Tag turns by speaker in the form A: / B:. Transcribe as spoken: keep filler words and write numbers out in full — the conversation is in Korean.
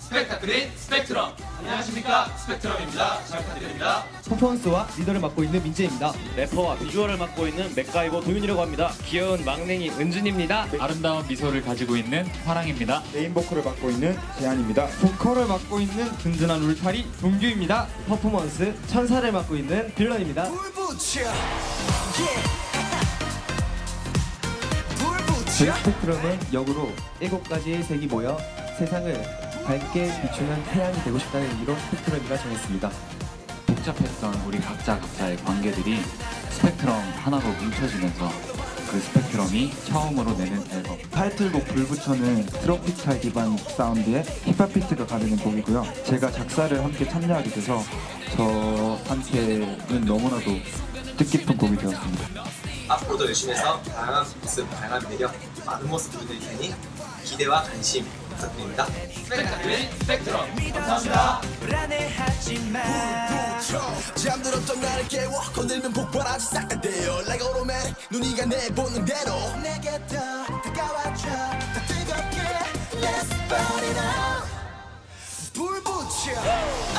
A: 스펙타클인 스펙트럼. 안녕하십니까, 스펙트럼입니다. 잘 부탁드립니다.
B: 퍼포먼스와 리더를 맡고 있는 민재입니다.
C: 래퍼와 비주얼을 맡고 있는 맥가이버 도윤이라고 합니다. 귀여운 막냉이 은준입니다.
D: 아름다운 미소를 가지고 있는 화랑입니다.
E: 메인 보컬을 맡고 있는 재한입니다. 보컬을 맡고 있는 든든한 울타리 동규입니다.
B: 퍼포먼스 천사를 맡고 있는 빌런입니다. 저희 스펙트럼은 역으로 일곱 가지의 색이 모여 세상을 밝게 비추는 태양이 되고 싶다는 의미로 스펙트럼이라 정했습니다.
D: 복잡했던 우리 각자 각자의 관계들이 스펙트럼 하나로 뭉쳐지면서 그 스펙트럼이 처음으로 내는 앨범.
E: 타이틀곡 불부처는 트로피칼 기반 사운드에 힙합 비트가 가르는 곡이고요. 제가 작사를 함께 참여하게 돼서 저한테는 너무나도 뜻깊은 곡이 되었습니다.
F: 앞으로도 열심히 해서 다양한 모습, 다양한 매력, 많은 모습 보여드릴 테니 기대와 관심 부탁드립니다.
A: 스펙타클인 스펙트럼. 감사합니다.
G: 잠들었던 나를 깨워 건들면 폭발하지 싹 다 돼요 Like automatic 눈이가 내보는 대로 내게 더 다가와줘 더 뜨겁게 Let's burn it out 불 붙여